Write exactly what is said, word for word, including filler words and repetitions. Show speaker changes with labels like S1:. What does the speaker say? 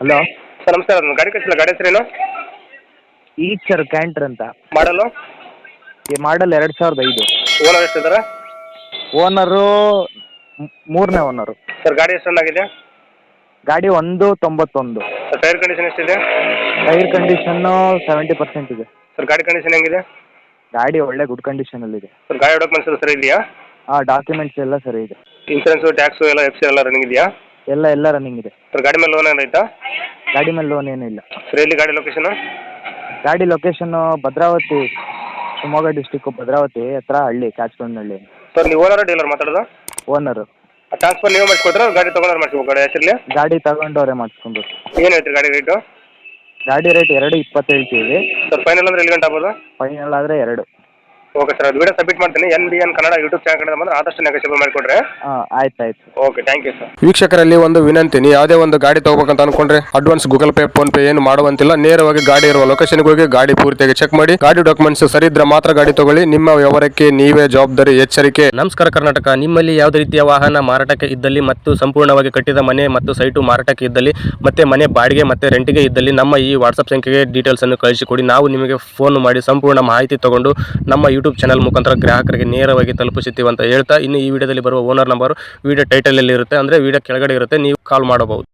S1: Hello
S2: sir ನಮಸ್ಕಾರ, ಒಂದು ಗಾಡಿ ಕಳಿಸಿಲ್ಲ, ಗಾಡಿ ಹೆಸರೇನು?
S1: ಈಚರ್ ಕ್ಯಾಂಟ್ರ್ ಅಂತ.
S2: ಮಾಡಲು
S1: ಈ ಮಾಡಲ್ ಎರಡು ಸಾವಿರದ ಐದು.
S2: ಓನರ್ ಎಷ್ಟಿದ್ದಾರೆ?
S1: ಓನರು ಮೂರನೇ ಓನರು.
S2: ಸರ್ ಗಾಡಿ ಎಷ್ಟು ರನ್ ಆಗಿದೆ?
S1: ಗಾಡಿ ಒಂದು ತೊಂಬತ್ತೊಂದು.
S2: ಸರ್ ಟೈರ್ ಕಂಡೀಷನ್ ಎಷ್ಟಿದೆ?
S1: ಟೈರ್ ಕಂಡೀಷನ್ನು ಸೆವೆಂಟಿ ಪರ್ಸೆಂಟ್ ಇದೆ.
S2: ಸರ್ ಗಾಡಿ ಕಂಡೀಷನ್ ಹೆಂಗಿದೆ?
S1: ಗಾಡಿ ಒಳ್ಳೆ ಗುಡ್ ಕಂಡೀಷನಲ್ಲಿದೆ.
S2: ಸರ್ ಗಾಡಿ ಡಾಕ್ಯುಮೆಂಟ್ಸ್ ಎಲ್ಲ ಸರಿ ಇದೆಯಾ?
S1: ಹಾಂ, ಡಾಕ್ಯುಮೆಂಟ್ಸ್ ಎಲ್ಲ ಸರಿ ಇದೆ.
S2: ಇನ್ಸೂರೆನ್ಸು, ಟ್ಯಾಕ್ಸು ಎಲ್ಲ ಎಫ್ ಸಿ ಎಲ್ಲ ರನ್ನಿಂಗ್ ಇದೆಯಾ?
S1: ಎಲ್ಲ ಎಲ್ಲ ರನ್ನಿಂಗ್ ಇದೆ.
S2: ಸರ್ ಗಾಡಿ ಮೇಲೆ ಲೋನ್ ಏನಾಯ್ತಾ?
S1: ಗಾಡಿ ಮೇಲೆ ಲೋನ್ ಏನೂ ಇಲ್ಲ.
S2: ಸರ್ ಎಲ್ಲಿ ಗಾಡಿ ಲೊಕೇಶನ್?
S1: ಗಾಡಿ ಲೊಕೇಶನ್ನು ಭದ್ರಾವತಿ, ಶಿವಮೊಗ್ಗ ಡಿಸ್ಟಿಕ್ಕು ಭದ್ರಾವತಿ ಹತ್ರ ಹಳ್ಳಿ, ಕ್ಯಾಚ್ಕೊಂಡಹಳ್ಳಿ.
S2: ಸರ್ ನೀವು ಓನರ್ ಡೀಲರ್ ಮಾತಾಡೋದು?
S1: ಓನರು.
S2: ಟ್ರಾನ್ಸ್ಫರ್ ನೀವು ಮಾಡಿಸ್ಕೊಟ್ರೆ ಗಾಡಿ ತೊಗೊಂಡ್ರೆ ಮಾಡಿಸ್ಬೇಕು ಗಾಡಿ ಹೆಸರಲ್ಲಿ?
S1: ಗಾಡಿ ತಗೊಂಡವ್ರೆ ಮಾಡಿಸ್ಕೊಬೇಕು.
S2: ಏನು ಹೇಳ್ತೀರಿ ಗಾಡಿ ರೇಟು?
S1: ಗಾಡಿ ರೇಟ್ ಎರಡು ಇಪ್ಪತ್ತು ಹೇಳ್ತೀವಿ.
S2: ಸರ್ ಫೈನಲ್ ಅಂದರೆ ಎಲ್ಲಿ ಗಂಟೆ ಆಗ್ಬೋದು?
S1: ಫೈನಲ್ ಆದರೆ ಎರಡು.
S2: ಓಕೆ ಸರ್, ಅದು ವಿಡಿಯೋ ಸಬ್ಮಿಟ್ ಮಾಡ್ತೀನಿ. N B N Kannada YouTube channel ಕಡೆ ಬಂದರೆ ಆದಷ್ಟು ನೆಗೋಷಿಯಬಲ್ ಮಾಡಿಕೊಡ್ರೆ.
S1: ಹಾಂ, ಆಯ್ತು ಆಯ್ತು.
S2: Okay, thank you sir.
S3: ವೀಕ್ಷಕರಲ್ಲಿ ಒಂದು ವಿನಂತಿ, ನೀವು ಯಾವುದೇ ಒಂದು ಗಾಡಿ ತಗೋಬೇಕಂತ ಅನ್ಕೊಂಡ್ರೆ advance Google Pay, PhonePe ಏನು ಮಾಡುವಂತಿಲ್ಲ. ನೇರವಾಗಿ ಗಾಡಿ ಇರುವ ಲೊಕೇಶನ್ಗೆ ಹೋಗಿ ಗಾಡಿ ಪೂರ್ತಿಯಾಗಿ ಚೆಕ್ ಮಾಡಿ, ಗಾಡಿ ಡಾಕ್ಯುಮೆಂಟ್ಸ್ ಸರಿ ಇದ್ರೆ ಮಾತ್ರ ಗಾಡಿ ತಗೊಳ್ಳಿ. ನಿಮ್ಮ ವ್ಯವಹಾರಕ್ಕೆ ನೀವೇ ಜವಾಬ್ದಾರಿ. ಎಚ್ಚರಿಕೆ.
S4: ನಮಸ್ಕಾರ ಕರ್ನಾಟಕ. ನಿಮ್ಮಲ್ಲಿ ಯಾವುದೇ ರೀತಿಯ ವಾಹನ ಮಾರಾಟಕ್ಕೆ ಇದ್ದಲ್ಲಿ ಮತ್ತು ಸಂಪೂರ್ಣವಾಗಿ ಕಟ್ಟಿದ ಮನೆ ಮತ್ತು ಸೈಟು ಮಾರಾಟಕ್ಕೆ ಇದ್ದಲ್ಲಿ ಮತ್ತೆ ಮನೆ ಬಾಡಿಗೆ ಮತ್ತೆ ರೆಂಟಿಗೆ ಇದ್ದಲ್ಲಿ ನಮ್ಮ ಈ ವಾಟ್ಸಪ್ ಸಂಖ್ಯೆಗೆ ಡೀಟೇಲ್ಸ್ ಅನ್ನು ಕಳಿಸಿಕೊಡಿ. ನಾವು ನಿಮಗೆ ಫೋನ್ ಮಾಡಿ ಸಂಪೂರ್ಣ ಮಾಹಿತಿ ತಗೊಂಡು ನಮ್ಮ ಯೂಟ್ಯೂಬ್ ಚಾನಲ್ ಮುಖಾಂತರ ಗ್ರಾಹಕರಿಗೆ ನೇರವಾಗಿ ತಲುಪಿಸುತ್ತೀವಿ ಅಂತ ಹೇಳ್ತಾ, ಇನ್ನು ಈ ವಿಡಿಯೋದಲ್ಲಿ ಬರುವ ಓನರ್ ನಂಬರ್ ವಿಡಿಯೋ ಟೈಟಲ್ ಅಲ್ಲಿ ಇರುತ್ತೆ, ಅಂದ್ರೆ ವಿಡಿಯೋ ಕೆಳಗಡೆ ಇರುತ್ತೆ, ನೀವು ಕಾಲ್ ಮಾಡಬಹುದು.